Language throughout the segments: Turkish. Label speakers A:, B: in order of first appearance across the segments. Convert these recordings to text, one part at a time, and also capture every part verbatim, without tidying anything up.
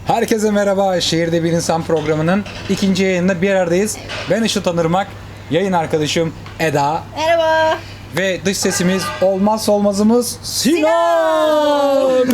A: Herkese merhaba. Şehirde Bir İnsan programının ikinci yayınında bir aradayız. Ben Işıl Tanırmak, yayın arkadaşım Eda
B: Merhaba.
A: ve dış sesimiz olmazsa olmazımız Sinan.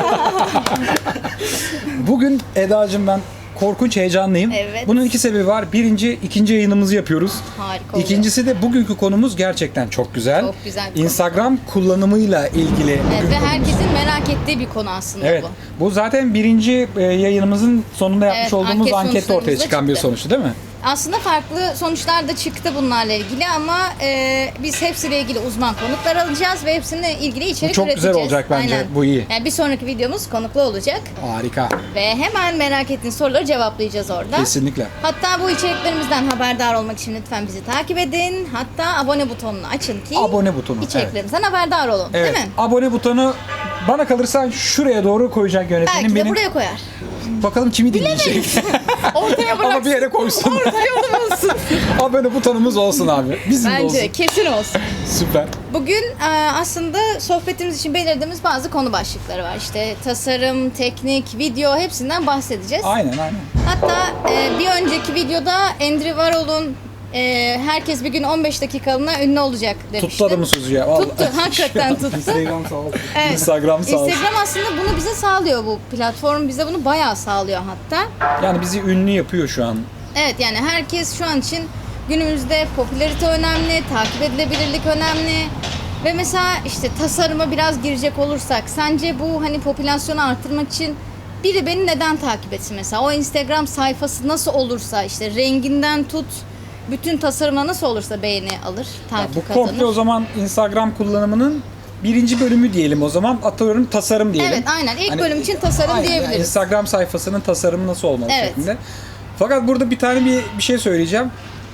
A: Bugün Eda'cığım ben korkunç heyecanlıyım.
B: Evet.
A: Bunun iki sebebi var. Birinci, ikinci yayınımızı yapıyoruz.
B: Harika oluyor.
A: İkincisi de bugünkü konumuz gerçekten çok güzel.
B: Çok güzel bir konu.
A: Instagram kullanımıyla ilgili.
B: Evet,
A: bugün
B: ve
A: konumuz.
B: herkesin merak ettiği bir konu aslında
A: Evet.
B: bu.
A: Bu zaten birinci e, yayınımızın sonunda yapmış
B: Evet,
A: olduğumuz
B: anket
A: ankette ortaya
B: sonuçlarımızda
A: çıkan bir
B: çıktı.
A: sonuçtu değil mi?
B: Aslında farklı sonuçlar da çıktı bunlarla ilgili ama e, biz hepsiyle ilgili uzman konuklar alacağız ve hepsininle ilgili içerik
A: Bu çok güzel
B: üreteceğiz.
A: olacak bence.
B: Aynen.
A: Bu iyi.
B: Yani bir sonraki videomuz konuklu olacak
A: Harika.
B: ve hemen merak ettiğin soruları cevaplayacağız orada.
A: Kesinlikle.
B: Hatta bu içeriklerimizden haberdar olmak için lütfen bizi takip edin. Hatta abone butonunu açın ki
A: Abone butonu.
B: içeriklerimizden haberdar olun.
A: Evet.
B: Değil mi?
A: Abone butonu bana kalırsa şuraya doğru koyacak yönetmenim
B: Belki de
A: benim.
B: buraya koyar.
A: Bakalım kimi dinleyecek.
B: Ortaya bıraksın.
A: Ama bir yere koysun.
B: Ortaya onun olsun.
A: Abone butonumuz olsun abi. Bizim de olsun.
B: Bence kesin olsun.
A: Süper.
B: Bugün e, aslında sohbetimiz için belirlediğimiz bazı konu başlıkları var. İşte tasarım, teknik, video hepsinden bahsedeceğiz.
A: Aynen aynen.
B: Hatta e, bir önceki videoda Andrew Warhol'un e, herkes bir gün on beş dakikalığına ünlü olacak demişti.
A: Tuttu adamı sözü ya. Vallahi.
B: Tuttu, hakikaten tuttu.
C: Instagram sağ olsun.
B: Evet.
A: Instagram sağ olsun.
B: Instagram aslında bunu bize sağlıyor, bu platform bize bunu bayağı sağlıyor hatta.
A: Yani bizi ünlü yapıyor şu an.
B: Evet, yani herkes şu an için günümüzde popülarite önemli, takip edilebilirlik önemli. Ve mesela işte tasarıma biraz girecek olursak, sence bu hani popülasyonu artırmak için biri beni neden takip etsin mesela? O Instagram sayfası nasıl olursa, işte renginden tut, bütün tasarımına nasıl olursa beğeni alır,
A: Ya
B: takip
A: bu
B: kazanır.
A: komple o zaman Instagram kullanımının birinci bölümü diyelim o zaman. Atıyorum tasarım diyelim.
B: Evet, aynen. İlk
A: Hani-
B: bölüm için tasarım
A: Aynen,
B: diyebiliriz.
A: yani Instagram sayfasının tasarımı nasıl olmalı
B: Evet.
A: şeklinde. Fakat burada bir tane bir, bir şey söyleyeceğim.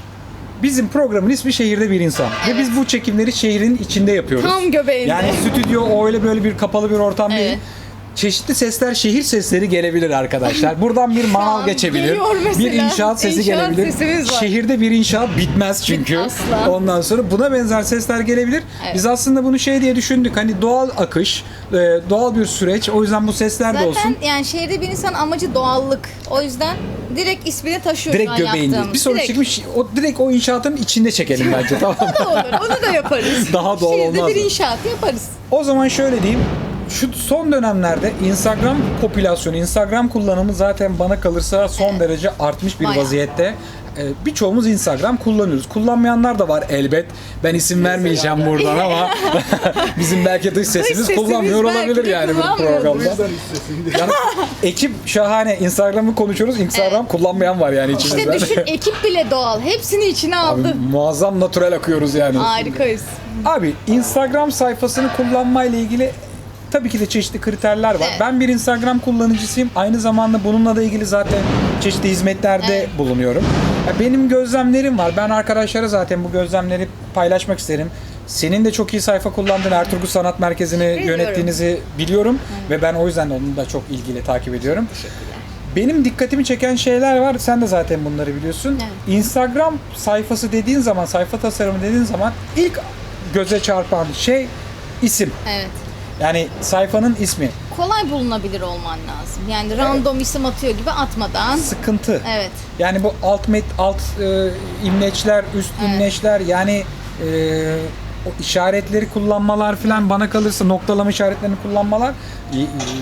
A: Bizim programın ismi Şehirde Bir İnsan.
B: Evet.
A: Ve biz bu çekimleri şehrin içinde yapıyoruz.
B: Tam göbeğinde.
A: Yani stüdyo öyle böyle bir kapalı bir ortam değil.
B: Evet.
A: Çeşitli sesler, şehir sesleri gelebilir arkadaşlar. Buradan bir manav
B: an
A: geçebilir.
B: geliyor mesela.
A: Bir inşaat sesi
B: İnşaat
A: gelebilir.
B: sesimiz var.
A: Şehirde bir inşaat bitmez çünkü.
B: Asla.
A: Ondan sonra buna benzer sesler gelebilir.
B: Evet.
A: Biz aslında bunu şey diye düşündük. Hani doğal akış, e, doğal bir süreç. O yüzden bu sesler de
B: Zaten
A: olsun.
B: yani şehirde bir insan amacı doğallık. O yüzden direkt ismini taşıyor şu
A: Direkt
B: an
A: göbeğinde.
B: yaptığımız.
A: Bir sonraki
B: Direkt.
A: çekmiş o direkt o inşaatın içinde çekelim bence, tamam mı?
B: O da olur. Onu da yaparız.
A: Daha doğal
B: Şehirde
A: olmaz
B: bir
A: mı?
B: inşaat yaparız.
A: O zaman şöyle diyeyim. Şu son dönemlerde Instagram popülasyonu, Instagram kullanımı zaten bana kalırsa son derece artmış bir
B: Bayağı.
A: vaziyette. Ee, Birçoğumuz Instagram kullanıyoruz. Kullanmayanlar da var elbet. Ben isim vermeyeceğim buradan ama bizim belki dış sesimiz
B: sesimiz
A: kullanmıyor
B: belki
A: olabilir
B: de
A: yani bu
B: kullanmıyordur.
A: programda. Yani ekip şahane. Instagram'ı konuşuyoruz. Instagram kullanmayan var yani içimizden.
B: İşte düşün, ekip bile doğal. Hepsini içine
A: Abi,
B: aldı.
A: muazzam natürel akıyoruz yani.
B: Harikayız.
A: Abi Instagram sayfasını kullanmayla ilgili tabii ki de çeşitli kriterler var.
B: Evet.
A: Ben bir Instagram kullanıcısıyım. Aynı zamanda bununla da ilgili zaten çeşitli hizmetlerde
B: Evet.
A: bulunuyorum. Ya benim gözlemlerim var. Ben arkadaşlara zaten bu gözlemleri paylaşmak isterim. Senin de çok iyi sayfa kullandığın Ertuğrul Sanat Merkezi'ni
B: Biliyorum.
A: yönettiğinizi biliyorum. Ve ben o yüzden de onu da çok ilgili takip ediyorum. Benim dikkatimi çeken şeyler var. Sen de zaten bunları biliyorsun.
B: Evet.
A: Instagram sayfası dediğin zaman, sayfa tasarımı dediğin zaman ilk göze çarpan şey isim.
B: Evet.
A: Yani sayfanın ismi.
B: Kolay bulunabilir olman lazım. Yani random isim atıyor gibi atmadan.
A: Sıkıntı.
B: Evet.
A: Yani bu alt met, alt e, imleçler, üst
B: Evet.
A: imleçler, yani e, o işaretleri kullanmalar falan, bana kalırsa noktalama işaretlerini kullanmalar e, e,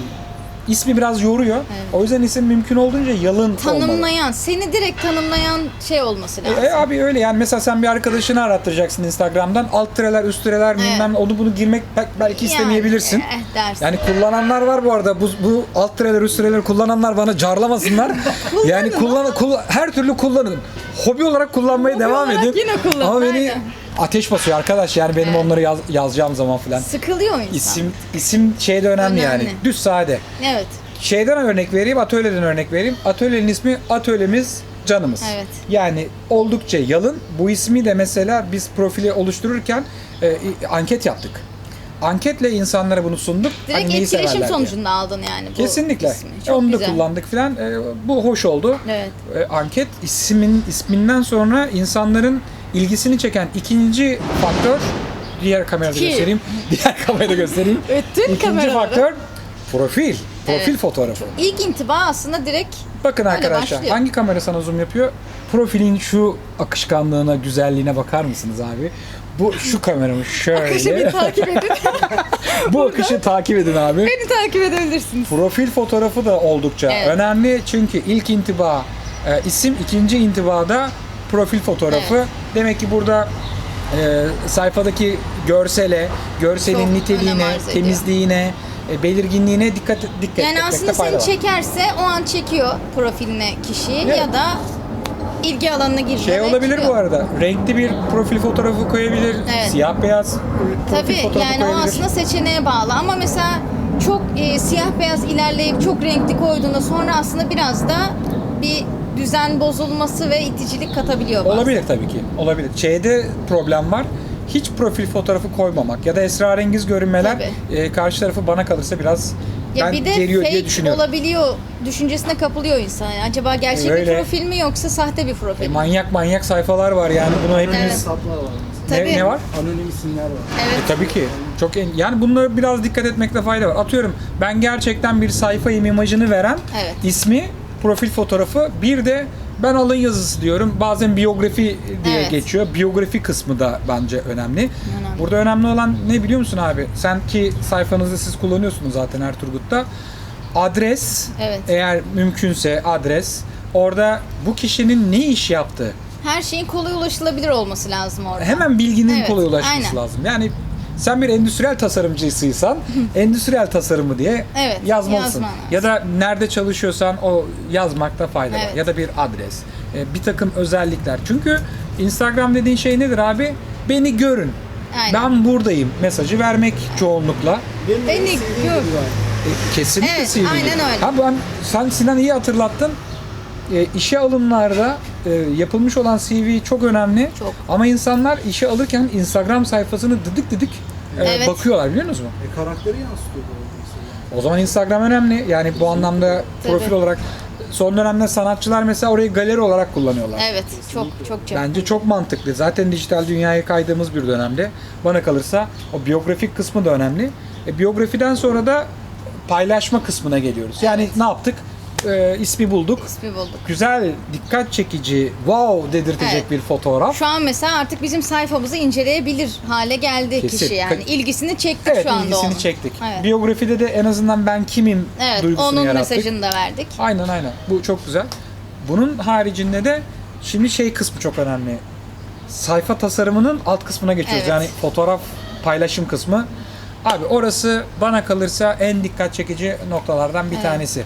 A: ismi biraz yoruyor.
B: Evet.
A: O yüzden isim mümkün olduğunca yalın olmalı.
B: Tanımlayan, seni direkt tanımlayan şey olması lazım.
A: E, abi öyle yani, mesela sen bir arkadaşını arattıracaksın Instagram'dan, alt tireler, üst tireler,
B: Evet.
A: bilmem ne, onu bunu girmek bel- belki istemeyebilirsin.
B: Yani, eh, dersin.
A: Yani kullananlar var bu arada. Bu, bu alt tireler, üst tireler kullananlar bana carlamasınlar. Yani kullan, kullan- her türlü kullanın. Hobi olarak kullanmaya
B: Hobi
A: devam
B: olarak
A: edin.
B: yine kullanın,
A: Ama beni
B: aynen.
A: ateş basıyor arkadaş, yani benim
B: Evet.
A: onları yaz- yazacağım zaman falan.
B: Sıkılıyor insan.
A: İsim isim şeyde önemli,
B: Önemli.
A: yani. Düz sade.
B: Evet.
A: Şeyden örnek vereyim, atölyeden örnek vereyim. Atölyenin ismi Atölyemiz Canımız.
B: Evet.
A: Yani oldukça yalın. Bu ismi de mesela biz profili oluştururken e, anket yaptık. Anketle insanlara bunu sunduk.
B: Direkt
A: Hani neyi
B: etkileşim
A: severler diye.
B: sonucunda aldın yani bu
A: Kesinlikle.
B: ismi.
A: E,
B: Çok
A: Onu da
B: güzel.
A: kullandık filan. E, bu hoş oldu.
B: Evet.
A: E, anket ismin isminden sonra insanların ilgisini çeken ikinci faktör, diğer kamerada
B: İki.
A: göstereyim. Diğer kamerada göstereyim.
B: Öttün
A: İkinci
B: kameraları.
A: faktör profil. Profil
B: Evet.
A: fotoğrafı.
B: İlk intiba aslında direkt
A: Bakın
B: öyle
A: arkadaşlar,
B: başlıyor.
A: hangi kamera sana zoom yapıyor? Profilin şu akışkanlığına, güzelliğine bakar mısınız abi? Bu şu kameramı şöyle.
B: Akışı bir takip edin.
A: Bu akışı takip edin abi.
B: Beni takip edebilirsiniz.
A: Profil fotoğrafı da oldukça
B: Evet.
A: önemli çünkü ilk intiba e, isim, ikinci intibada profil fotoğrafı.
B: Evet.
A: Demek ki burada e, sayfadaki görsele, görselin
B: Çok önem
A: niteliğine,
B: arz ediyor.
A: temizliğine, e, belirginliğine dikkat dikkat
B: Yani
A: etmekte
B: aslında
A: fayda
B: seni
A: var.
B: çekerse o an çekiyor profiline kişiyi
A: Evet.
B: ya da ilgi alanına giriyor.
A: Şey
B: ve
A: olabilir
B: çıkıyor.
A: bu arada. Renkli bir profil fotoğrafı koyabilir.
B: Evet.
A: Siyah beyaz profil
B: Tabii
A: fotoğrafı
B: yani o
A: koyabilir.
B: aslında seçeneğe bağlı ama mesela çok e, siyah beyaz ilerleyip çok renkli koyduğunda sonra aslında biraz da bir düzen bozulması ve iticilik katabiliyor bazen.
A: Olabilir tabii ki. Olabilir. Şeyde problem var. Hiç profil fotoğrafı koymamak ya da esrarengiz görünmeler e, karşı tarafı bana kalırsa biraz
B: Ya
A: ben
B: bir de
A: geriyor diye
B: fake
A: düşünüyorum.
B: olabiliyor düşüncesine kapılıyor insan. Yani acaba gerçek
A: Öyle.
B: bir profil mi yoksa sahte bir profil
A: E,
B: mi?
A: manyak manyak sayfalar var yani bunu hepimiz
B: Evet.
C: Hesaplar var
A: ne,
C: mesela.
B: Tabii.
A: ne var?
C: Anonim isimler var.
B: Evet.
A: E, tabii ki. Çok en- yani bunlara biraz dikkat etmekte fayda var. Atıyorum ben gerçekten bir sayfayım imajını veren
B: Evet.
A: ismi, profil fotoğrafı, bir de ben alın yazısı diyorum. Bazen biyografi diye
B: Evet.
A: geçiyor. Biyografi kısmı da bence önemli.
B: Önemli.
A: Burada önemli olan ne biliyor musun abi? Sen ki sayfanızı siz kullanıyorsunuz zaten Erturgut'ta. Adres,
B: Evet.
A: eğer mümkünse adres. Orada bu kişinin ne iş yaptığı.
B: Her şeyin kolay ulaşılabilir olması lazım orada.
A: Hemen bilginin
B: Evet,
A: kolay ulaşması
B: aynen.
A: lazım. Yani sen bir endüstriyel tasarımcısıysan endüstriyel tasarımı diye
B: Evet,
A: yazmalısın.
B: yazman lazım.
A: Ya da nerede çalışıyorsan o yazmakta fayda var.
B: Evet.
A: Ya da bir adres, e, bir takım özellikler. Çünkü Instagram dediğin şey nedir abi? Beni görün.
B: Aynen.
A: Ben buradayım mesajı vermek çoğunlukla.
C: Benim
B: Beni
C: C V
B: gör.
C: var.
A: E, kesinlikle
B: Evet,
A: C V.
B: aynen öyle.
A: Ha, ben, sen Sinan iyi hatırlattın. E, işe alımlarda e, yapılmış olan C V çok önemli.
B: Çok.
A: Ama insanlar işe alırken Instagram sayfasını dıdık dıdık e,
B: Evet.
A: bakıyorlar biliyor musunuz?
C: E, karakteri yansıtıyor bu arada mesela.
A: O zaman Instagram önemli. Yani bu anlamda profil
B: Tabii.
A: olarak son dönemde sanatçılar mesela orayı galeri olarak kullanıyorlar.
B: Evet, çok çok çok.
A: Bence çok mantıklı. Zaten dijital dünyaya kaydığımız bir dönemde bana kalırsa o biyografik kısmı da önemli. E, biyografiden sonra da paylaşma kısmına geliyoruz. Yani
B: Evet.
A: ne yaptık? E, ismi bulduk.
B: İsmi bulduk.
A: Güzel, dikkat çekici, wow dedirtecek
B: Evet.
A: bir fotoğraf.
B: Şu an mesela artık bizim sayfamızı inceleyebilir hale geldi
A: Kesin.
B: kişi yani.
A: Ka-
B: İlgisini çektik
A: Evet,
B: şu anda
A: ilgisini
B: onun.
A: çektik.
B: Evet.
A: Biyografide de en azından ben kimim
B: Evet,
A: duygusunu
B: onun
A: yarattık.
B: mesajını da verdik.
A: Aynen aynen. Bu çok güzel. Bunun haricinde de şimdi şey kısmı çok önemli. Sayfa tasarımının alt kısmına geçiyoruz.
B: Evet.
A: Yani fotoğraf paylaşım kısmı. Abi orası bana kalırsa en dikkat çekici noktalardan bir
B: Evet.
A: tanesi.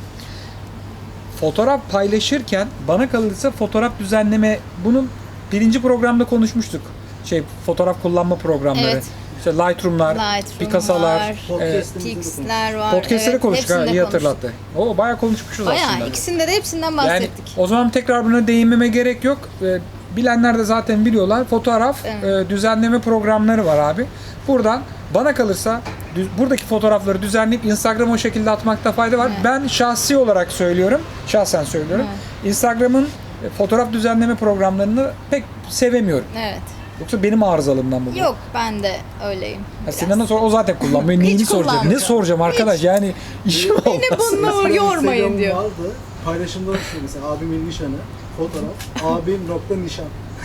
A: Fotoğraf paylaşırken bana kalırsa fotoğraf düzenleme, bunun birinci programda konuşmuştuk. Şey fotoğraf kullanma programları.
B: Evet.
A: İşte Lightroom'lar,
B: Lightroom
A: Picasso'lar,
B: var,
A: e,
C: Podcast'imizde de
B: Pix'ler var.
A: podcast'leri
B: evet,
A: konuştuk ha,
B: hepsinde
A: iyi
B: konuştuk.
A: hatırlattı. O bayağı konuşmuşuz aslında.
B: Bayağı ikisinde de hepsinden
A: Yani
B: bahsettik.
A: o zaman tekrar buna değinmeme gerek yok. Ee, bilenler de zaten biliyorlar. Fotoğraf
B: Evet.
A: e, düzenleme programları var abi. Buradan bana kalırsa dü- buradaki fotoğrafları düzenleyip Instagram'a o şekilde atmakta fayda var.
B: Evet.
A: Ben şahsi olarak söylüyorum. Şahsen söylüyorum. Instagram'ın e, fotoğraf düzenleme programlarını pek sevemiyorum.
B: Evet.
A: Yoksa benim arızalımdan bu.
B: Yok ben de öyleyim.
A: Ya
B: biraz.
A: Sinan'a sor, o zaten kullanmıyor.
B: Hiç
A: Neyini soracağım? Ne
B: kullanmıyorum.
A: soracağım arkadaş? Yani işim olmaz.
B: Beni bununla
C: Mesela
B: yormayın
C: Instagram'ım
B: diyor.
C: vardı. Paylaşımda şey mesela abimin nişanı, fotoğraf, abim nokta nişan.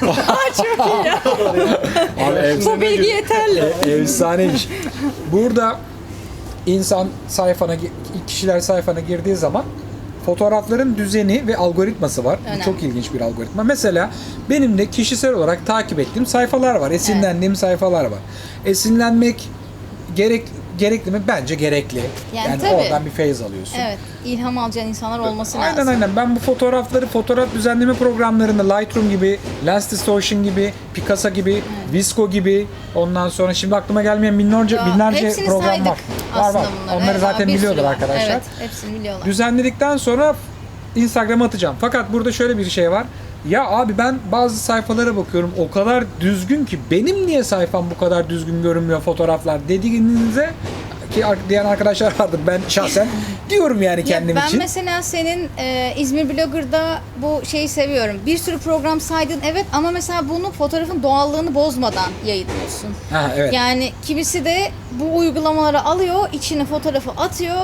A: Abi, efsane.
B: Bu bilgi yeterli.
A: E, efsaneymiş. Burada insan sayfana, kişiler sayfana girdiği zaman fotoğrafların düzeni ve algoritması var. Bu
B: Önemli.
A: çok ilginç bir algoritma. Mesela benim de kişisel olarak takip ettiğim sayfalar var. Esinlendiğim sayfalar var. Esinlenmek gerek gerekli mi? Bence gerekli.
B: Yani
A: Yani,
B: tabii.
A: oradan bir feyiz alıyorsun.
B: Evet. ilham alacağın insanlar olması
A: Aynen
B: lazım.
A: aynen. Ben bu fotoğrafları fotoğraf düzenleme programlarında Lightroom gibi, Lens Distortion gibi, Picasa gibi, Visco gibi, ondan sonra şimdi aklıma gelmeyen binlerce
B: Ya,
A: binlerce
B: hepsini
A: program
B: saydık
A: var. Var
B: aslında
A: var.
B: bunları.
A: Onları
B: Evet,
A: zaten
B: bir sürü
A: biliyordur
B: var.
A: arkadaşlar.
B: Evet, hepsini biliyorlar.
A: Düzenledikten sonra Instagram'a atacağım. Fakat burada şöyle bir şey var. Ya abi ben bazı sayfalara bakıyorum o kadar düzgün ki benim niye sayfam bu kadar düzgün görünmüyor fotoğraflar dediğinizde ki ar- diyen arkadaşlar vardır. Ben şahsen diyorum yani
B: Ya
A: kendim
B: ben
A: için.
B: mesela senin e, İzmir Blogger'da bu şeyi seviyorum. Bir sürü program saydın evet ama mesela bunu fotoğrafın doğallığını bozmadan yayınlıyorsun.
A: Ha, evet.
B: Yani kimisi de bu uygulamaları alıyor, içine fotoğrafı atıyor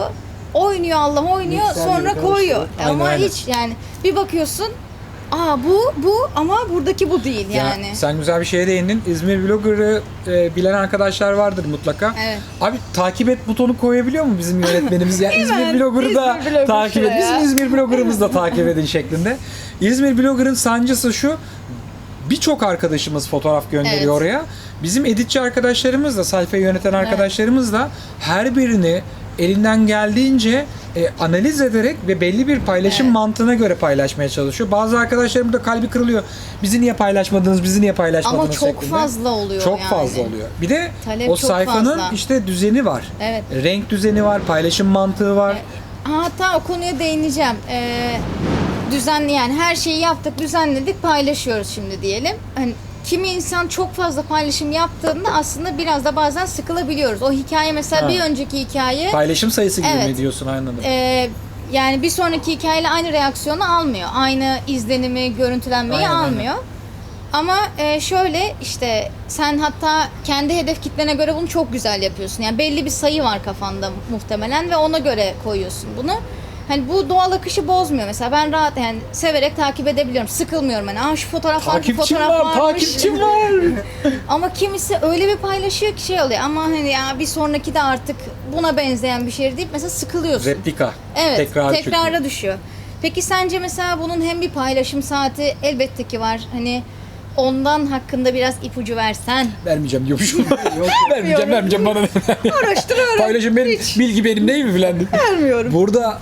B: oynuyor Allah oynuyor
C: Mikser
B: sonra
C: gibi
B: koyuyor.
C: karıştırıyor.
B: Ama
A: Aynen, aynen.
B: hiç yani bir bakıyorsun aa bu bu ama buradaki bu değil
A: Ya,
B: yani.
A: sen güzel bir şeye değindin. İzmir Blogger'ı e, bilen arkadaşlar vardır mutlaka.
B: Evet.
A: Abi takip et butonu koyabiliyor mu bizim yönetmenimiz? Ya İzmir
B: Hemen
A: Blogger'ı da
B: İzmir Blogger
A: takip et.
B: şuraya.
A: Bizim İzmir Blogger'ımızı da takip edin şeklinde. İzmir Blogger'ın sancısı şu. Birçok arkadaşımız fotoğraf gönderiyor
B: Evet.
A: oraya. Bizim editçi arkadaşlarımız da, sayfayı yöneten arkadaşlarımız da her birini elinden geldiğince e, analiz ederek ve belli bir paylaşım
B: Evet.
A: mantığına göre paylaşmaya çalışıyor. Bazı arkadaşlarım da kalbi kırılıyor. Bizi niye paylaşmadınız, bizi niye paylaşmadınız
B: Ama çok
A: şeklinde.
B: fazla oluyor
A: Çok
B: yani.
A: fazla oluyor. Bir de
B: Talep
A: o
B: çok
A: sayfanın
B: fazla.
A: işte düzeni var.
B: Evet.
A: Renk düzeni var, paylaşım mantığı var.
B: Hatta o konuya değineceğim. Ee, düzenli yani her şeyi yaptık, düzenledik, paylaşıyoruz şimdi diyelim. Hani kimi insan çok fazla paylaşım yaptığında aslında biraz da bazen sıkılabiliyoruz. O hikaye mesela
A: Ha.
B: bir önceki hikaye
A: Paylaşım sayısı gibi
B: Evet.
A: mi diyorsun, anladım.
B: e, yani bir sonraki hikayeyle aynı reaksiyonu almıyor. Aynı izlenimi, görüntülenmeyi
A: Aynen, aynen.
B: almıyor. Ama e, şöyle işte sen hatta kendi hedef kitlene göre bunu çok güzel yapıyorsun. Yani belli bir sayı var kafanda muhtemelen ve ona göre koyuyorsun bunu. Hani bu doğal akışı bozmuyor mesela. Ben rahat yani severek takip edebiliyorum. Sıkılmıyorum hani. Aa şu fotoğraf var, bu
A: Takipçim
B: fotoğraf
A: var,
B: varmış.
A: takipçim var.
B: Ama kimisi öyle bir paylaşıyor ki şey oluyor. Ama hani ya bir sonraki de artık buna benzeyen bir şey deyip mesela sıkılıyorsun.
A: Replika.
B: Evet,
A: Tekrar
B: tekrara düşüyor. Peki sence mesela bunun hem bir paylaşım saati elbette ki var. Hani ondan hakkında biraz ipucu versen.
A: Vermeyeceğim diyormuşum.
C: Yok,
A: vermeyeceğim, vermeyeceğim bana.
B: Araştırıyorum.
A: Paylaşım benim, bilgi benim değil mi filan?
B: Vermiyorum.
A: Burada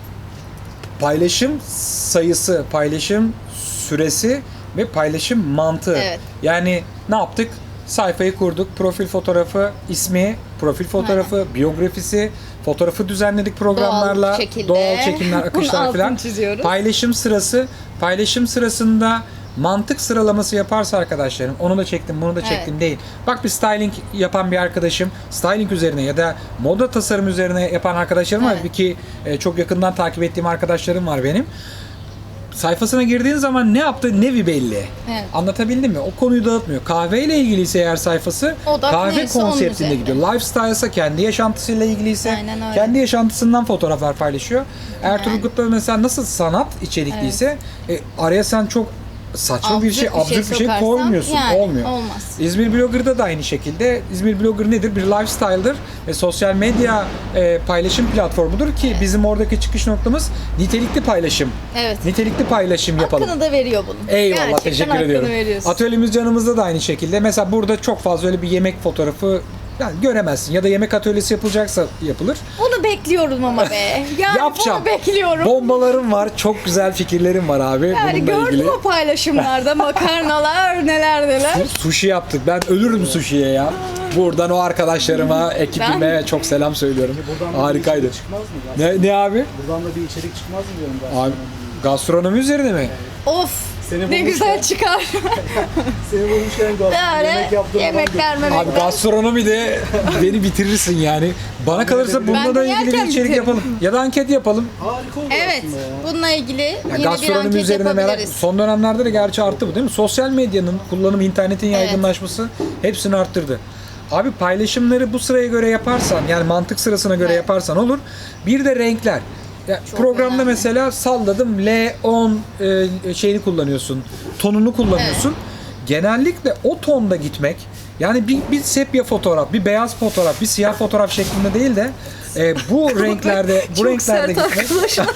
A: paylaşım sayısı, paylaşım süresi ve paylaşım mantığı.
B: Evet.
A: Yani ne yaptık? Sayfayı kurduk. Profil fotoğrafı, ismi, profil fotoğrafı, biyografisi, fotoğrafı düzenledik programlarla.
B: Doğal şekilde.
A: Doğal çekimler,
B: Bunun
A: akışlar
B: altını
A: falan.
B: çiziyoruz.
A: Paylaşım sırası. Paylaşım sırasında mantık sıralaması yaparsa arkadaşlarım, onu da çektim, bunu da çektim
B: Evet.
A: değil. Bak bir styling yapan bir arkadaşım, styling üzerine ya da moda tasarım üzerine yapan arkadaşlarım var.
B: Evet.
A: Ki e, çok yakından takip ettiğim arkadaşlarım var benim. Sayfasına girdiğin zaman ne yaptığı nevi belli.
B: Evet.
A: Anlatabildim mi? O konuyu dağıtmıyor. Kahveyle ilgiliyse eğer sayfası,
B: Odak
A: kahve
B: neyse onun
A: konseptinde
B: üzerine.
A: gidiyor. Lifestyle ise kendi yaşantısıyla ilgiliyse
B: Aynen öyle.
A: kendi yaşantısından fotoğraflar paylaşıyor. Eğer Turgut'ta mesela nasıl sanat içerikliyse e, araya sen çok saçma bir şey, absürt bir şey
B: sokarsan
A: koymuyorsun.
B: yani
A: Olmuyor.
B: olmaz.
A: İzmir Blogger'da da aynı şekilde. İzmir Blogger nedir? Bir lifestyle'dır ve sosyal medya e, paylaşım platformudur ki bizim oradaki çıkış noktamız nitelikli paylaşım.
B: Evet.
A: Nitelikli paylaşım yapalım.
B: Hakkını da veriyor bunun.
A: Eyvallah,
B: Gerçekten
A: teşekkür
B: hakkını
A: ediyorum.
B: veriyorsun.
A: Atölyemiz canımızda da aynı şekilde. Mesela burada çok fazla öyle bir yemek fotoğrafı yani göremezsin. Ya da yemek atölyesi yapılacaksa yapılır.
B: Bunu bekliyorum ama be. Yani
A: Yapacağım.
B: bunu bekliyorum.
A: Bombalarım var. Çok güzel fikirlerim var abi
B: Yani
A: bununla
B: gördüm
A: ilgili.
B: o paylaşımlarda makarnalar neler neler.
A: Sushi yaptık. Ben ölürüm sushi'ye ya. Buradan o arkadaşlarıma, ekibime çok selam söylüyorum.
C: Buradan da
A: Harikaydı.
C: bir içerik çıkmaz mı? Gaz-
A: Ne, ne abi?
C: Buradan da bir içerik çıkmaz mı diyorum ben.
A: Abi gastronomi üzerine mi?
B: Of
C: Seni
B: ne
C: bulmuşlar.
B: güzel çıkar.
C: Seni bulmuşken gaz.
B: Böyle
C: Yemek yaptığın adam
B: yemekler
A: Abi
B: memekler.
A: gastronomi de beni bitirirsin yani. Bana kalırsa
C: Ben
A: bununla
B: de
A: da ilgili bir
B: yerken
A: içerik
B: bitiririm.
A: yapalım. Ya da anket yapalım.
C: Harika olur
B: Evet
C: aslında ya.
B: bununla ilgili
A: Ya
B: yine bir
A: gastronomi
B: anket
A: üzerine merak.
B: yapabiliriz.
A: Son dönemlerde de gerçi arttı bu değil mi? Sosyal medyanın kullanımı, internetin
B: Evet.
A: yaygınlaşması hepsini arttırdı. Abi paylaşımları bu sıraya göre yaparsan, yani mantık sırasına göre
B: Evet.
A: yaparsan olur. Bir de renkler. Ya
B: Çok
A: programda
B: önemli.
A: mesela salladım L on e, şeyini kullanıyorsun. Tonunu kullanıyorsun. Genellikle o tonda gitmek, yani bir, bir sepya fotoğraf, bir beyaz fotoğraf, bir siyah fotoğraf şeklinde değil de e, bu renklerde bu
B: Çok
A: renklerde
B: sert
A: gitmek.
B: arkadaşlar.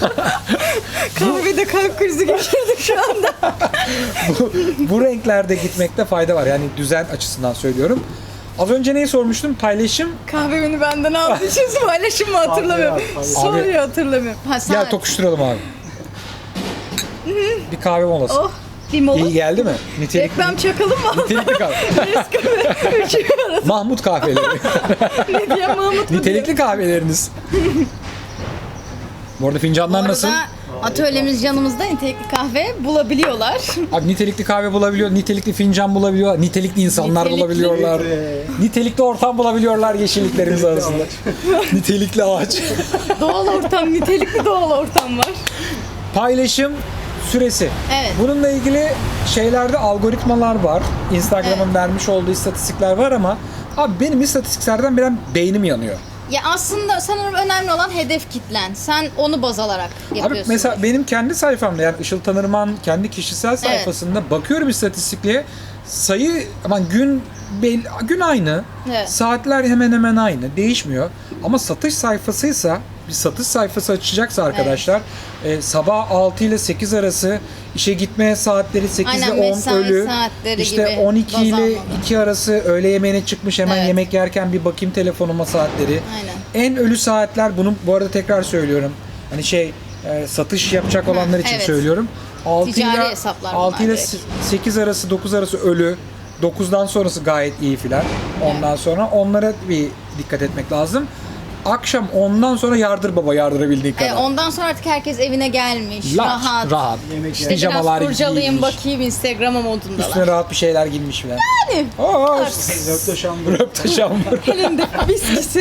B: Kahvede kalp krizi geçirdik şu anda.
A: bu, bu renklerde gitmekte fayda var. Yani düzen açısından söylüyorum. Az önce neyi sormuştum? Paylaşım.
B: Kahvemi benden aldığı için paylaşım mı hatırlamıyorum.
C: Abi,
B: Soruyu hatırlamıyorum. Ha, sen-
A: Gel tokuşturalım abi. Bir kahve molası.
B: Oh bir mola.
A: İyi geldi mi? Nitelikli,
B: Reklam çakalım mı?
A: nitelikli kahve.
B: Üçü arası
A: Mahmut kahveleri.
B: ne diye Mahmut mu
A: Nitelikli kahveleriniz. Bu arada
B: Bu
A: fincanlar
B: arada
A: nasıl?
B: atölyemiz canımızda nitelikli kahve bulabiliyorlar.
A: Abi nitelikli kahve bulabiliyor, nitelikli fincan bulabiliyor, nitelikli insanlar
B: Nitelikli-
A: bulabiliyorlar.
C: Ee,
A: Nitelikli ortam bulabiliyorlar yeşilliklerimiz arasında. Nitelikli ağaç.
B: Doğal ortam, nitelikli doğal ortam var.
A: Paylaşım süresi.
B: Evet.
A: Bununla ilgili şeylerde algoritmalar var. Instagram'ın
B: Evet.
A: vermiş olduğu istatistikler var ama abi benim istatistiklerden benim beynim yanıyor.
B: Ya aslında sanırım önemli olan hedef kitlen. Sen onu baz alarak yapıyorsun.
A: Abi mesela benim kendi sayfamda, yani Işıl Tanırman kendi kişisel sayfasında bakıyorum istatistikliğe, sayı aman gün belli, gün aynı.
B: Evet.
A: Saatler hemen hemen aynı. Değişmiyor. Ama satış sayfasıysa, bir satış sayfası açacaksa arkadaşlar e, sabah altı ile sekiz arası işe gitme saatleri, sekiz ile
B: Aynen,
A: on
B: mesai
A: ölü.
B: saatleri
A: İşte
B: gibi
A: on iki
B: baz
A: ile
B: almalı.
A: iki arası öğle yemeğine çıkmış, hemen
B: Evet.
A: yemek yerken bir bakayım telefonuma saatleri.
B: Aynen.
A: En ölü saatler, bunu bu arada tekrar söylüyorum. Hani şey e, satış yapacak olanlar için
B: evet.
A: söylüyorum. altı
B: Ticari
A: ile
B: hesaplar
A: altı
B: bunlar
A: ile
B: direkt.
A: sekiz arası, dokuz arası ölü. dokuzdan sonrası gayet iyi filan. Ondan sonra onlara bir dikkat etmek lazım. Akşam ondan sonra yardır baba, yardırabildiğin kadar.
B: E, ondan sonra artık herkes evine gelmiş.
A: Laç,
B: rahat.
A: rahat.
C: Yemek
B: İşte
A: Pijamalar
B: biraz kurcalayayım
A: giymiş.
B: bakayım Instagram'a modundalar.
A: Üstüne rahat bir şeyler giymiş filan.
B: Yani.
A: Aa,
C: Röpte şambır.
A: röpte şambur.
B: Elinde viskisi.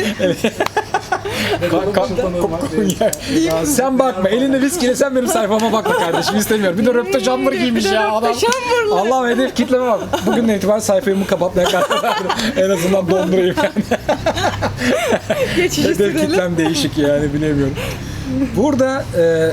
A: Kalk, kalk, kokun yer. Sen bakma, elinde viskiyle sen benim sayfama bakma kardeşim, istemiyorum. Bir de röpte şambur giymiş
B: Bir de
A: ya
B: röpte
A: adam.
B: şambırlı.
A: Allah'ım, hedef kitleme bak. Bugünden itibaren sayfamı kapatmaya karar verdim. En azından dondurayım yani.
B: Geçici
A: Hedef kitlem değişik yani, bilemiyorum. Burada e,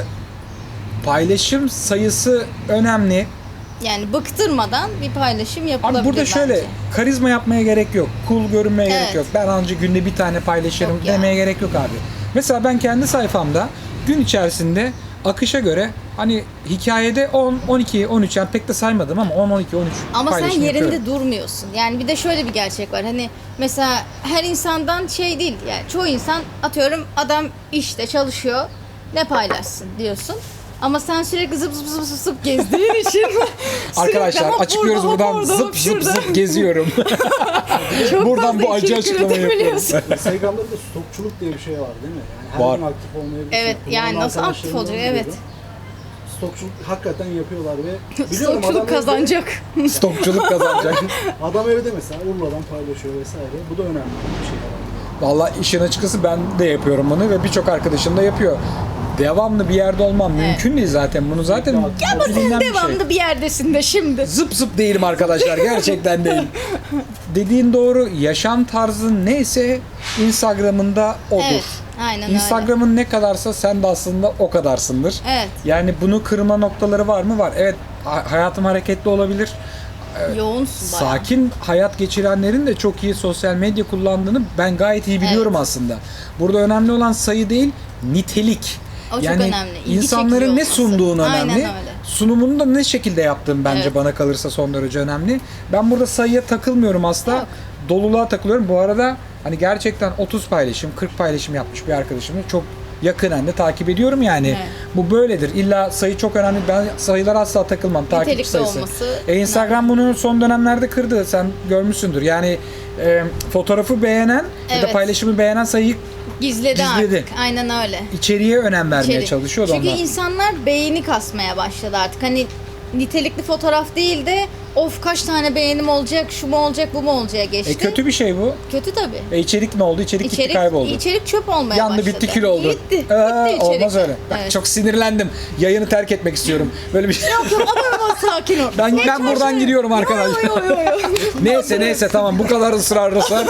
A: paylaşım sayısı önemli.
B: Yani bıktırmadan bir paylaşım yapılabilir
A: Abi burada şöyle,
B: bence.
A: karizma yapmaya gerek yok. Cool görünmeye
B: Evet.
A: gerek yok. Ben ancak günde bir tane paylaşırım
B: Yok ya.
A: demeye gerek yok abi. Mesela ben kendi sayfamda gün içerisinde akışa göre hani hikayede on, on iki, on üç, yani pek de saymadım ama on, on iki, on üç
B: Ama sen
A: paylaşım
B: yerinde
A: yapıyorum.
B: durmuyorsun. Yani bir de şöyle bir gerçek var. Hani mesela her insandan şey değil. Yani çoğu insan, atıyorum adam işte çalışıyor. Ne paylaşsın diyorsun. Ama sen sürekli zıp zıp zıp zıp, zıp gezdiğin için sürekli
A: Arkadaşlar
B: hop
A: açıklıyoruz
B: burada, hop
A: buradan,
B: orada,
A: zıp
B: hop
A: zıp
B: şurada.
A: zıp geziyorum.
B: Çok
A: buradan bu
B: fazla
A: acı
B: içerik
A: açıklamayı yapıyorum.
B: üretebiliyorsun.
C: Instagram'da bir de stokçuluk diye bir şey var değil mi? Yani her
A: Var.
C: gün aktif olmayabilirsin.
B: Evet, yani
C: Kullanan
B: nasıl aktif
C: arkadaşlarımdan
B: olacak? Evet.
C: biliyorum. Stokçuluk hakikaten yapıyorlar ve biliyorum
B: Stokçuluk
C: adam evde-
B: kazanacak.
A: Stokçuluk kazanacak.
C: Adam evde mesela Urla'dan paylaşıyor vesaire. Bu da önemli bir şey herhalde.
A: Vallahi işin açıkçası ben de yapıyorum bunu ve birçok arkadaşım da yapıyor. Devamlı bir yerde olmam mümkün değil zaten. Bunu zaten
C: Ya
B: Ama sen
A: bilinen bir şey.
B: devamlı bir yerdesin de şimdi.
A: Zıp zıp değilim arkadaşlar, gerçekten değil. Dediğin doğru, yaşam tarzın neyse Instagram'ında odur.
B: Evet, aynen öyle.
A: Instagram'ın ne kadarsa sen de aslında o kadarsındır.
B: Evet.
A: Yani bunu kırma noktaları var mı? Var. Evet, ha- hayatım hareketli olabilir.
B: Yoğunsun bayağı.
A: Sakin hayat geçirenlerin de çok iyi sosyal medya kullandığını ben gayet iyi biliyorum
B: Evet.
A: aslında. Burada önemli olan sayı değil, nitelik.
B: O çok
A: yani
B: önemli. İlgi
A: insanların
B: çekici
A: ne
B: olması.
A: sunduğun
B: Aynen
A: önemli.
B: öyle.
A: Sunumunu da ne şekilde yaptığın bence
B: Evet.
A: bana kalırsa son derece önemli. Ben burada sayıya takılmıyorum asla.
B: Yok.
A: Doluluğa takılıyorum. Bu arada hani gerçekten otuz paylaşım, kırk paylaşım yapmış bir arkadaşımı çok yakından da takip ediyorum yani.
B: Evet.
A: Bu böyledir. İlla sayı çok önemli. Ben sayılara asla takılmam. Takipçi
B: Nitelikli
A: sayısı.
B: olması
A: E, Instagram bunu son dönemlerde kırdı. Sen görmüşsündür. Yani e, fotoğrafı beğenen ya da
B: Evet.
A: paylaşımı beğenen sayıyı
B: Gizledi,
A: Gizledi.
B: artık. Aynen öyle.
A: içeriye önem vermeye
B: İçerik.
A: çalışıyordu
B: Çünkü
A: onlar.
B: insanlar beğeni kasmaya başladı artık. Hani nitelikli fotoğraf değil de of kaç tane beğenim olacak, şu mu olacak, bu mu olacak geçti.
A: E kötü bir şey bu.
B: Kötü tabii.
A: E içerik ne oldu? İçerik, gitti
B: İçerik,
A: kayboldu.
B: içerik çöp olmaya
A: Yandı
B: başladı.
A: bitti kül oldu.
B: Gitti.
A: Ee,
B: Gitti içerik.
A: olmaz öyle. Bak,
B: Evet.
A: çok sinirlendim. Yayını terk etmek istiyorum. Böyle bir şey.
B: Yok yok ama ama sakin ol.
A: Ben
B: Geç
A: ben buradan
B: başına.
A: gidiyorum
B: Yo,
A: arkadaşlar.
B: yo, yo, yo.
A: Neyse neyse tamam, bu kadar ısrarlısan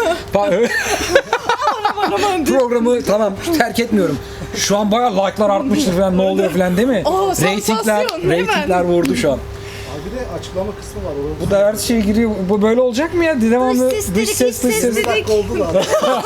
A: programı tamam terk etmiyorum. Şu an bayağı like'lar artmıştır falan, ne oluyor falan değil mi?
B: Oo,
A: Reytingler,
B: sansasyon, hemen.
A: reytingler vurdu şu an.
C: Abi bir de açıklama kısmı var. Orası
A: Bu da her şey giriyor. Bu böyle olacak mı ya? Devamlı
B: Dış ses
A: dış
B: dedik,
A: ses
B: iç
A: dış
B: ses
A: ses.
B: dedik.
C: bir dakika oldu da.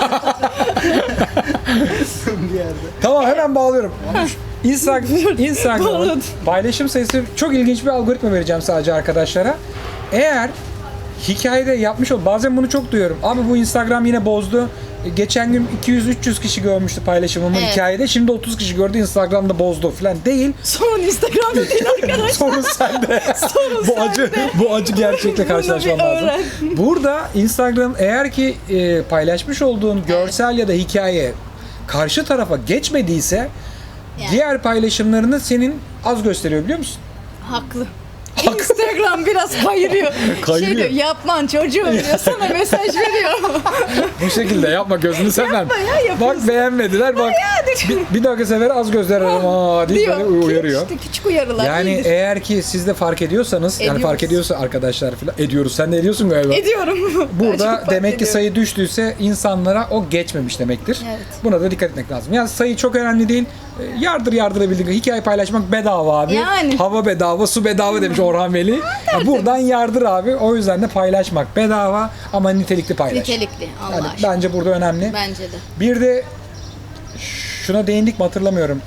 C: bir yerde.
A: Tamam, hemen bağlıyorum. Instagram, Instagram'ın
B: Bağladım.
A: paylaşım sayısı, çok ilginç bir algoritma vereceğim sadece arkadaşlara. Eğer hikayede yapmış ol, bazen bunu çok duyuyorum. Abi bu Instagram yine bozdu. E, Geçen gün iki yüz üç yüz kişi görmüştü paylaşımımı
B: Evet.
A: hikayede. Şimdi otuz kişi gördü, Instagram'da bozdu falan değil.
B: Sorun Instagram'da değil arkadaş.
A: Sorun sende.
B: Sorun
A: bu acı bu acı gerçekle karşılaşmam
B: bir
A: lazım.
B: öğren.
A: Burada Instagram eğer ki e, paylaşmış olduğun görsel ya da hikaye karşı tarafa geçmediyse
B: Yani.
A: diğer paylaşımlarını senin az gösteriyor, biliyor musun?
B: Haklı. Instagram biraz kayırıyor.
A: Kayırıyor.
B: Şey diyor, yapman çocuğum diyor, sana mesaj veriyor.
A: Bu şekilde yapma, gözünü sevmem.
B: Yapma ya, yapıyorsun.
A: Bak beğenmediler, bak bir, bir dahaki sefer az göster ama deyip
B: diyor.
A: böyle uyarıyor.
B: İşte küçük uyarılar
A: Yani
B: iyidir.
A: eğer ki siz de fark ediyorsanız, yani
B: Ediyoruz.
A: fark ediyorsa arkadaşlar falan, ediyoruz. Sen de ediyorsun galiba.
B: Ediyorum. Ben
A: Burada
B: çok fark
A: demek ki
B: ediyorum.
A: sayı düştüyse insanlara o geçmemiş demektir.
B: Evet.
A: Buna da dikkat etmek lazım. Yani sayı çok önemli değil. E, Yardır yardırabildiğin hikaye paylaşmak bedava abi.
B: Yani.
A: Hava bedava, su bedava demiş Orhan Veli. Ya buradan yardır abi. O yüzden de paylaşmak bedava ama nitelikli paylaş.
B: Nitelikli, Allah
A: Yani
B: aşkına.
A: bence burada önemli.
B: Bence de.
A: Bir de şuna değindik mi hatırlamıyorum.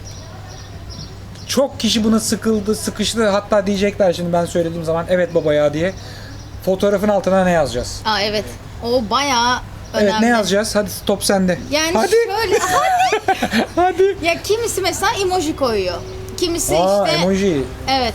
A: Çok kişi buna sıkıldı, sıkıştı. Hatta diyecekler şimdi ben söylediğim zaman evet baba ya diye. Fotoğrafın altına ne yazacağız?
B: Aa evet. O bayağı önemli.
A: Evet, ne yazacağız? Hadi top sende.
B: Yani
A: Hadi.
B: şöyle
A: Hadi.
B: ya kimisi mesela emoji koyuyor. Kimisi
A: Aa,
B: işte
A: emoji.
B: evet.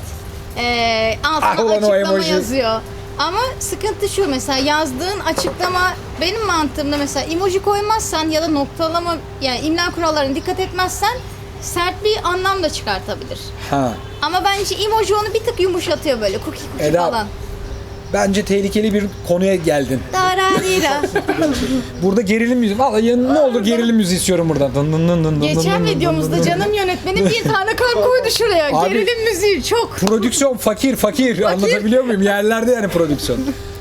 B: Ee, altına
A: Ah, ulan o
B: açıklama
A: emoji.
B: yazıyor. Ama sıkıntı şu, mesela yazdığın açıklama, benim mantığımda mesela emoji koymazsan ya da noktalama, yani imla kurallarına dikkat etmezsen sert bir anlam da çıkartabilir.
A: Ha.
B: Ama bence emoji onu bir tık yumuşatıyor, böyle cookie cookie
A: Eda,
B: falan.
A: Bence tehlikeli bir konuya geldin.
B: Dararira.
A: Burada gerilim müziği. Vallahi ya ne olur gerilim müziği istiyorum buradan. Dın dın dın dın dın
B: Geçen
A: dın dın
B: videomuzda
A: dın dın.
B: canım yönetmenim bir tane kalp koydu şuraya.
A: Abi-
B: Gerilim müziği çok.
A: Prodüksiyon fakir fakir. Anlatabiliyor muyum? Yerlerde yani prodüksiyon.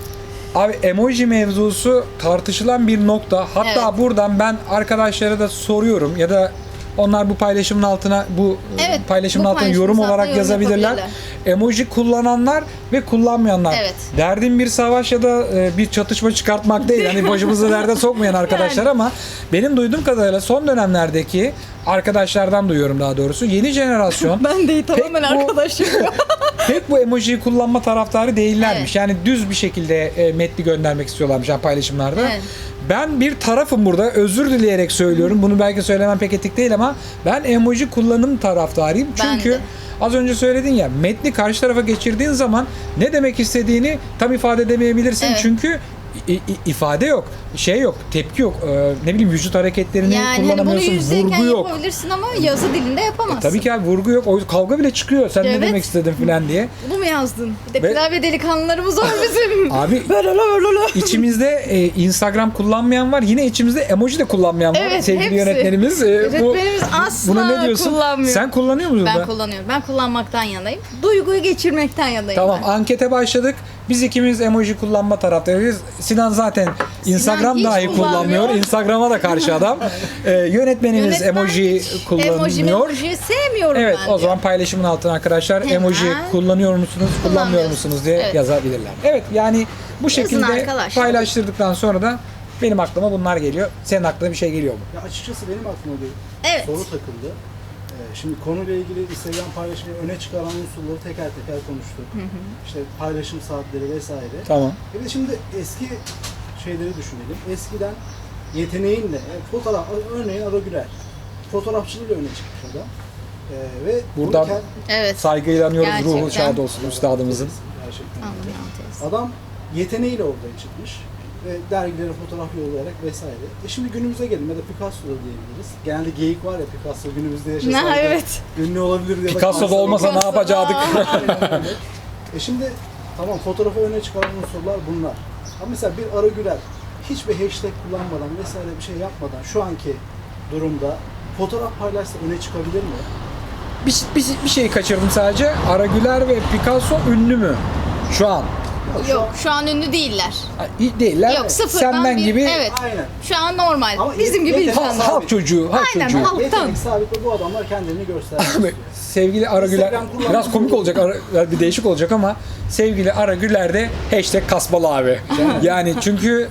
A: Abi emoji mevzusu tartışılan bir nokta. Hatta
B: Evet.
A: buradan ben arkadaşlara da soruyorum ya da onlar bu paylaşımın altına bu
B: Evet,
A: paylaşımın
B: bu
A: altına
B: paylaşımın
A: yorum
B: altına
A: olarak
B: yorum
A: yazabilirler.
B: yapabilirler.
A: Emoji kullananlar ve kullanmayanlar.
B: Evet.
A: Derdim bir savaş ya da e, bir çatışma çıkartmak değil. Hani başımızı derde sokmayan arkadaşlar
B: Yani.
A: ama benim duyduğum kadarıyla son dönemlerdeki arkadaşlardan duyuyorum daha doğrusu. Yeni jenerasyon
B: Ben de tamamen
A: Pek bu-
B: arkadaşım.
A: pek bu emojiyi kullanma taraftarı değillermiş.
B: Evet.
A: Yani düz bir şekilde e, metni göndermek istiyorlarmış yani paylaşımlarda.
B: Evet.
A: Ben bir tarafım burada. Özür dileyerek söylüyorum. Bunu belki söylemem pek etik değil ama ben emoji kullanım taraftarıyım.
B: Ben
A: Çünkü
B: de.
A: az önce söyledin ya, metni karşı tarafa geçirdiğin zaman ne demek istediğini tam ifade edemeyebilirsin.
B: Evet.
A: Çünkü i- i- ifade yok, şey yok, tepki yok. Ee, ne bileyim vücut hareketlerini
B: Yani hani bunu
A: kullanamıyorsun.
B: yüzdeyken
A: Vurgu yok.
B: yapabilirsin ama yazı dilinde yapamazsın.
A: Tabii ki abi vurgu yok. O kavga bile çıkıyor. Sen ne
B: Evet.
A: demek istedin falan diye.
B: Bunu mu yazdın? Bir de
A: Ve-
B: klavye delikanlılarımız var bizim.
A: Abi
B: Böyle böyle böyle.
A: İçimizde e, Instagram kullanmayan var. Yine içimizde emoji de kullanmayan var.
B: Evet,
A: Sevgili
B: hepsi.
A: yönetmenimiz. e,
B: Yönetmenimiz asla
A: buna ne diyorsun?
B: kullanmıyor.
A: Sen kullanıyor musun?
B: Ben
A: da?
B: kullanıyorum. Ben kullanmaktan yanayım. Duyguyu geçirmekten yanayım.
A: Tamam,
B: ben.
A: ankete başladık. Biz ikimiz emoji kullanma taraftarıyız. Sinan zaten Instagram
B: hiç
A: dahi
B: kullanmıyor.
A: kullanmıyor. Instagram'a da karşı adam. E, yönetmenimiz
B: Yönetmen
A: emoji
B: hiç
A: kullanmıyor.
B: Emoji emoji sevmiyorum
A: Evet,
B: ben
A: o zaman
B: diyor.
A: paylaşımın altına arkadaşlar
B: Hemen.
A: emoji kullanıyor musunuz, kullanmıyor
B: Kullanmıyoruz.
A: musunuz diye
B: Evet.
A: yazabilirler. Evet, yani bu şekilde
B: arkadaşlar.
A: paylaştırdıktan sonra da benim aklıma bunlar geliyor. Senin aklına bir şey geliyor mu?
C: Ya açıkçası benim aklıma bir
B: Evet.
C: soru takıldı. Ee, şimdi konuyla ilgili Instagram paylaşımı öne çıkaran unsurları teker teker konuştuk. İşte paylaşım saatleri vesaire.
A: Tamam.
C: Bir de şimdi eski şeyleri düşünelim. Eskiden yeteneğinle, yani fotoğraf, örneğin Ara Güler, fotoğrafçılığıyla öne çıkmış adam. Ee, ve bunu
A: Buradan
C: kend-
B: Evet.
A: saygıyla anıyoruz, ruhu
B: Gerçekten.
A: şad olsun üstadımızın.
C: Gerçekten
B: Allah
C: öyle.
B: rahmet eylesin.
C: Adam yeteneğiyle ortaya çıkmış ve dergilere fotoğraf yollayarak vesaire. E şimdi günümüze gelin ya da Picasso da diyebiliriz. Genelde geyik var ya, Picasso günümüzde yaşasaydı
B: Ha, evet.
C: ünlü olabilir ya da
A: Picasso'da
C: kanser
A: olmasa ne
B: Picasso,
A: yapacaktık?
B: aa.
C: Aynen öyle. E şimdi tamam, fotoğrafı öne çıkaran unsurlar bunlar. Ama mesela bir Ara Güler hiçbir hashtag kullanmadan vesaire bir şey yapmadan şu anki durumda fotoğraf paylaşsa öne çıkabilir mi?
A: bir, bir, bir şey kaçırdım sadece. Ara Güler ve Picasso ünlü mü? Şu an.
C: Ya şu
B: Yok
C: an-
B: şu an ünlü değiller.
A: Ha, iyi değiller.
B: Yok sıfırdan
A: Sen ben
B: bir,
A: gibi
B: evet.
C: Aynen.
B: Şu an normal.
C: Ama
B: Bizim
C: yet-
B: gibi
C: yetenek-
A: halk,
B: insanlar.
A: halk çocuğu. Halk
B: Aynen,
A: çocuğu.
B: halk.
C: Yetenek sahibi bu adamlar kendilerini göstermek
A: Abi,
C: istiyor.
A: sevgili Ara Güler,
C: Instagram kullanmak
A: biraz komik
C: zorunda.
A: olacak, Ara- bir değişik olacak ama sevgili Ara Güler'de hashtag kasmalı abi. Yani çünkü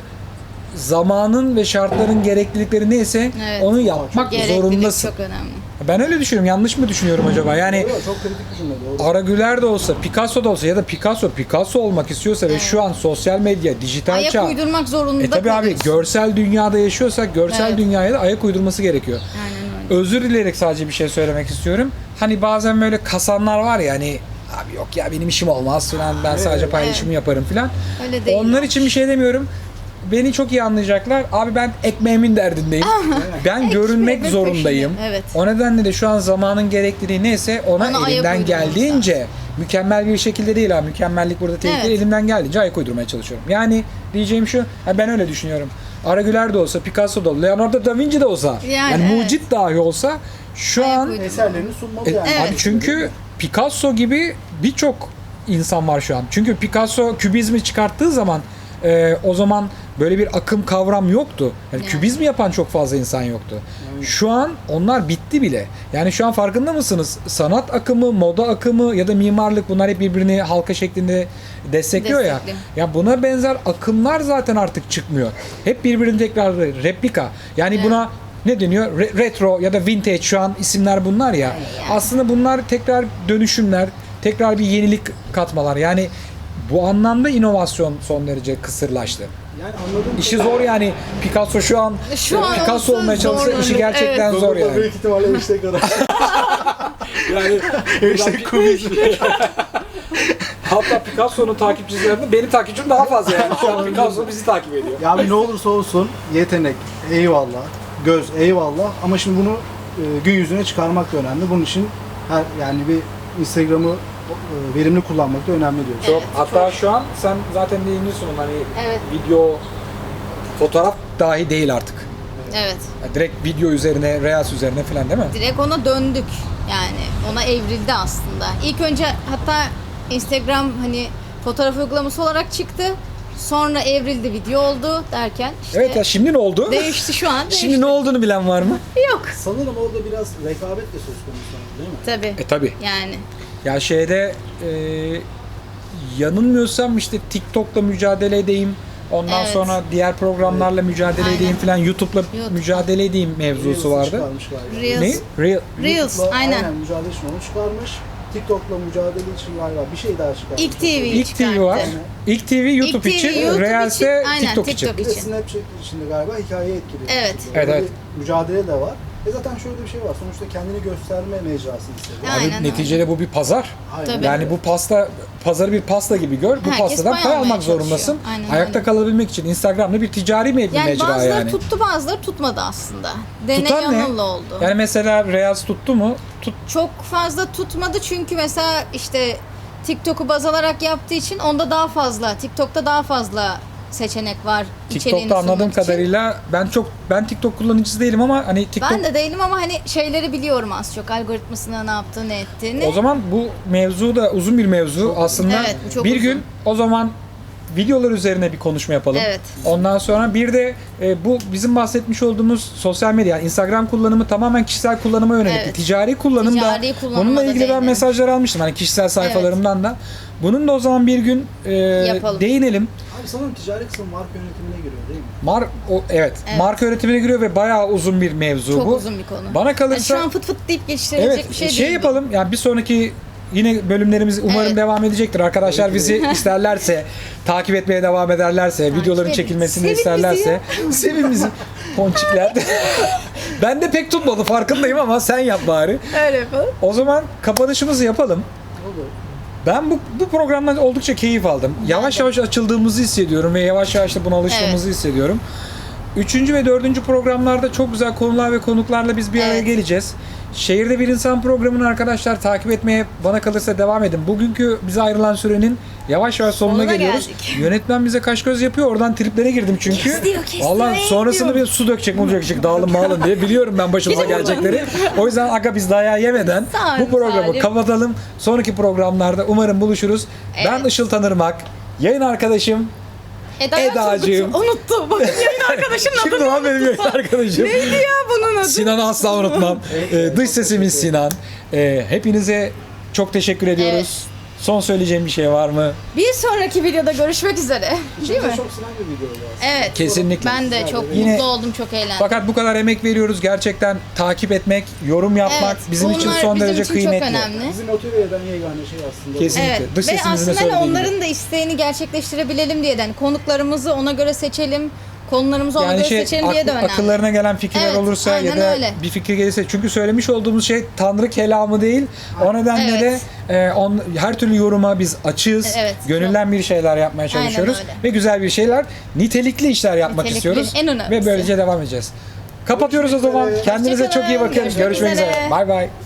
A: zamanın ve şartların gereklilikleri neyse
B: Evet.
A: onu yapmak
B: Gereklilik
A: zorundasın.
B: çok önemli.
A: Ben öyle düşünüyorum. Yanlış mı düşünüyorum acaba? Yani
C: Doğru, çok kritik bir cümle doğru.
A: Ara Güler de olsa, Picasso da olsa ya da Picasso Picasso olmak istiyorsa ve şu an sosyal medya, dijital
B: Ayak
A: çağ.
B: uydurmak zorunda
A: E tabi abi
B: kalıyorsun.
A: görsel dünyada yaşıyorsak görsel
B: Evet.
A: dünyaya da ayak uydurması gerekiyor.
B: Aynen öyle.
A: Özür dileyerek sadece bir şey söylemek istiyorum. Hani bazen böyle kasanlar var ya, hani abi yok ya benim işim olmaz falan, ben sadece paylaşımı yaparım falan.
B: Öyle değil.
A: Onlar için bir şey demiyorum. beni çok iyi anlayacaklar. Abi ben ekmeğimin derdindeyim. Ben görünmek
B: Ekmeğimin
A: zorundayım.
B: peşinde, evet.
A: O nedenle de şu an zamanın gerektiği neyse ona
B: Ona ayak
A: elimden
B: uydurmamız
A: geldiğince mükemmel bir şekilde değil ha. Mükemmellik burada tehlikeli.
B: Evet.
A: Elimden geldiğince ayak uydurmaya çalışıyorum. Yani diyeceğim şu, ha ben öyle düşünüyorum. Aragüler de olsa, Picasso da olsa, Leonardo da Vinci de olsa, yani,
B: Yani evet.
A: mucit dahi olsa şu
B: Ayak
A: an
B: uydurma.
C: Eserlerini sunmalı
A: e,
C: yani.
B: Evet.
A: abi çünkü Picasso gibi birçok insan var şu an. Çünkü Picasso kübizmi çıkarttığı zaman e, o zaman böyle bir akım kavram yoktu. Yani
B: Yani.
A: kübizmi yapan çok fazla insan yoktu. Şu an onlar bitti bile. Yani şu an farkında mısınız? Sanat akımı, moda akımı ya da mimarlık bunlar hep birbirini halka şeklinde destekliyor ya.
B: Destekli.
A: Ya buna benzer akımlar zaten artık çıkmıyor. Hep birbirini tekrar replika. Yani
B: Evet.
A: buna ne deniyor? Re- retro ya da vintage şu an isimler bunlar ya.
B: Yani.
A: Aslında bunlar tekrar dönüşümler, tekrar bir yenilik katmalar. Yani bu anlamda inovasyon son derece kısırlaştı.
C: Yani anladığım
A: İşi zor yani. Picasso şu an
B: Şu an
A: Picasso
B: olsa
A: olmaya çalışsa
B: zor
A: işi
B: olur.
A: gerçekten
B: Evet.
A: zor
C: Google'da
A: yani.
C: büyük ihtimalle hashtag arar.
A: Yani
C: Hashtag kubizm.
A: hatta Picasso'nun takipçilerinde benim takipçim daha fazla yani. Şu an Picasso bizi takip ediyor.
C: Ya abi ne olursa olsun yetenek eyvallah, göz eyvallah ama şimdi bunu e, gün yüzüne çıkarmak da önemli. Bunun için her yani bir Instagram'ı e, verimli kullanmak da önemli diyoruz.
A: Çok, hatta şu an sen zaten değiniyorsun hani
B: Evet.
A: video, fotoğraf dahi değil artık.
B: Evet.
A: Yani direkt video üzerine, reels üzerine falan değil mi?
B: Direkt ona döndük. Yani ona evrildi aslında. İlk önce hatta Instagram hani fotoğraf uygulaması olarak çıktı. Sonra evrildi, video oldu derken işte
A: Evet ya şimdi ne oldu?
B: değişti şu an. Değişti.
A: Şimdi ne olduğunu bilen var mı?
B: Yok.
C: Sanırım orada biraz rekabet de söz konusu değil mi?
B: Tabii.
A: E tabi.
B: Yani
A: Ya şeyde e, yanılmıyorsam işte TikTok'la mücadele edeyim. Ondan
B: Evet.
A: sonra diğer programlarla mücadele
B: Aynen.
A: edeyim falan. YouTube'la
B: YouTube.
A: mücadele edeyim mevzusu
C: Reels'ı
A: vardı.
C: çıkarmış galiba.
B: Reels.
A: Ne? Real.
B: Reels,
C: YouTube'la
B: aynen.
C: mücadele için onu çıkarmış. TikTok'la mücadele için galiba bir şey daha çıkarmış.
B: İlk T V
A: İlk T V var.
B: çıkarttı.
A: İlk T V YouTube
B: İlk T V
A: için,
B: YouTube
A: Reels'e
B: için, aynen,
A: TikTok için.
B: TikTok
C: Bir de
B: için.
C: Snapchat içinde galiba hikaye etkili.
B: Evet.
A: Evet,
C: Orada
A: evet.
C: bir mücadele de var. E zaten şöyle bir şey var. Sonuçta kendini gösterme mecrasını hissediyor.
B: Aynen
A: Abi
B: öyle.
A: neticede bu bir pazar.
C: Aynen.
B: Tabii.
A: Yani bu pasta, pazarı bir pasta gibi gör. Bu
B: Herkes
A: pastadan
B: pay
A: pay
B: almaya
A: almak zorundasın.
B: çalışıyor. Aynen
A: Ayakta
B: öyle.
A: kalabilmek için Instagram'da bir ticari bir
B: Yani
A: mecra
B: bazıları
A: yani.
B: tuttu, bazıları tutmadı aslında. Deney
A: Tutan ne?
B: yanılla oldu.
A: Yani mesela Reels tuttu mu? Tut.
B: Çok fazla tutmadı çünkü mesela işte TikTok'u baz alarak yaptığı için onda daha fazla, TikTok'ta daha fazla seçenek var. içeriğini
A: TikTok'ta anladığım
B: sunmak için.
A: kadarıyla ben çok ben TikTok kullanıcısı değilim ama hani TikTok
B: Ben de değilim ama hani şeyleri biliyorum az çok. Algoritmasına ne yaptığını, ne ettiğini.
A: o zaman bu mevzu da uzun bir mevzu aslında.
B: Evet, bu çok
A: bir
B: uzun.
A: gün o zaman videolar üzerine bir konuşma yapalım.
B: Evet.
A: Ondan sonra bir de e, bu bizim bahsetmiş olduğumuz sosyal medya, yani Instagram kullanımı tamamen kişisel kullanıma yönelik.
B: Evet.
A: Ticari kullanımda
B: Ticari kullanıma
A: bununla
B: da
A: ilgili ben
B: değinelim.
A: mesajlar almıştım hani kişisel sayfalarımdan da. Bunun da o zaman bir gün e,
B: Yapalım.
A: değinelim.
C: Abi sanırım ticari kısım marka yönetimine giriyor değil mi?
A: Mar o, evet,
B: Evet.
A: marka yönetimine giriyor ve bayağı uzun bir mevzu
B: Çok
A: bu.
B: uzun bir konu.
A: Bana
B: Yani
A: kalırsa
B: şu an fıt fıt deyip geçiştirilecek
A: evet
B: bir şey,
A: şey,
B: değil bu.
A: yapalım. Yani bir sonraki yine bölümlerimiz umarım
B: Evet.
A: devam edecektir. Arkadaşlar bizi isterlerse, takip etmeye devam ederlerse, videoların
B: edin.
A: çekilmesini
B: Sevin bizi
A: isterlerse, sevin bizi. Ponçikler. Ben de pek tutmadı farkındayım ama sen yap bari.
B: Öyle yapalım.
A: O zaman kapanışımızı yapalım.
C: Olur.
A: Ben bu, bu programdan oldukça keyif aldım. Yavaş yavaş açıldığımızı hissediyorum ve yavaş yavaş da buna alıştığımızı hissediyorum. Üçüncü ve dördüncü programlarda çok güzel konular ve konuklarla biz bir araya
B: Evet.
A: geleceğiz. Şehirde Bir İnsan programını arkadaşlar takip etmeye bana kalırsa devam edin. Bugünkü bize ayrılan sürenin yavaş yavaş sonuna,
B: Sonuna
A: geliyoruz.
B: geldik.
A: Yönetmen bize kaş göz yapıyor. Oradan triplere girdim çünkü.
B: Kesiyor, kesiyor,
A: Vallahi
B: ey
A: sonrasında
B: diyor.
A: bir su dökecek, mu dökecek, dağılın mağılın diye biliyorum ben başımıza
B: Biliyorum ben.
A: gelecekleri. O yüzden aga biz dayağı yemeden
B: Sağ
A: bu
B: olun,
A: programı
B: Salim.
A: kapatalım. Sonraki programlarda umarım buluşuruz. Ben
B: Evet.
A: Işıl Tanırmak, yayın arkadaşım
B: Eda
A: Edacığım.
B: Unuttu. Bakın yayın arkadaşımın
A: Kimdi
B: adını
A: lan benim yayın arkadaşım?
B: neydi ya bunun adı?
A: Sinan'ı asla unutmam. Ee, dış sesimiz Sinan. Ee, hepinize çok teşekkür ediyoruz.
B: Evet.
A: Son söyleyeceğim bir şey var mı?
B: Bir sonraki videoda görüşmek üzere. Değil mi?
C: İçimize çok sinen bir video oldu aslında.
B: Evet.
A: Kesinlikle.
B: Ben de çok
A: Yine-
B: mutlu oldum, çok eğlendim.
A: Fakat bu kadar emek veriyoruz. Gerçekten takip etmek, yorum yapmak
B: Evet,
A: bizim için
B: bunlar
A: son
B: bizim
A: derece
B: için
A: kıymetli.
B: çok önemli.
C: Bizi motive eden yegane şey aslında. bu.
A: Kesinlikle.
B: Evet.
A: Dış
B: Ve
A: sesimizin de
B: aslında hani
A: söylediği gibi.
B: onların da isteğini gerçekleştirebilelim diye de hani konuklarımızı ona göre seçelim. konularımızı ona
A: Yani
B: göre
A: şey
B: seçelim diye de
A: akl-
B: önemli.
A: akıllarına gelen fikirler
B: Evet,
A: olursa ya
B: aynen
A: da
B: öyle.
A: bir fikir gelirse, çünkü söylemiş olduğumuz şey Tanrı kelamı değil. O nedenle
B: Evet.
A: de e, on, her türlü yoruma biz açığız.
B: Evet,
A: Gönülden bir şeyler yapmaya çalışıyoruz
B: öyle.
A: ve güzel bir şeyler, nitelikli işler yapmak
B: Nitelikli,
A: istiyoruz
B: en önemlisi.
A: ve böylece devam edeceğiz. Kapatıyoruz o zaman.
C: üzere.
A: Kendinize çok iyi
B: Hoşçakalın.
A: bakın.
B: Görüşmek
A: Görüşmek üzere.
B: üzere.
A: Bay bay.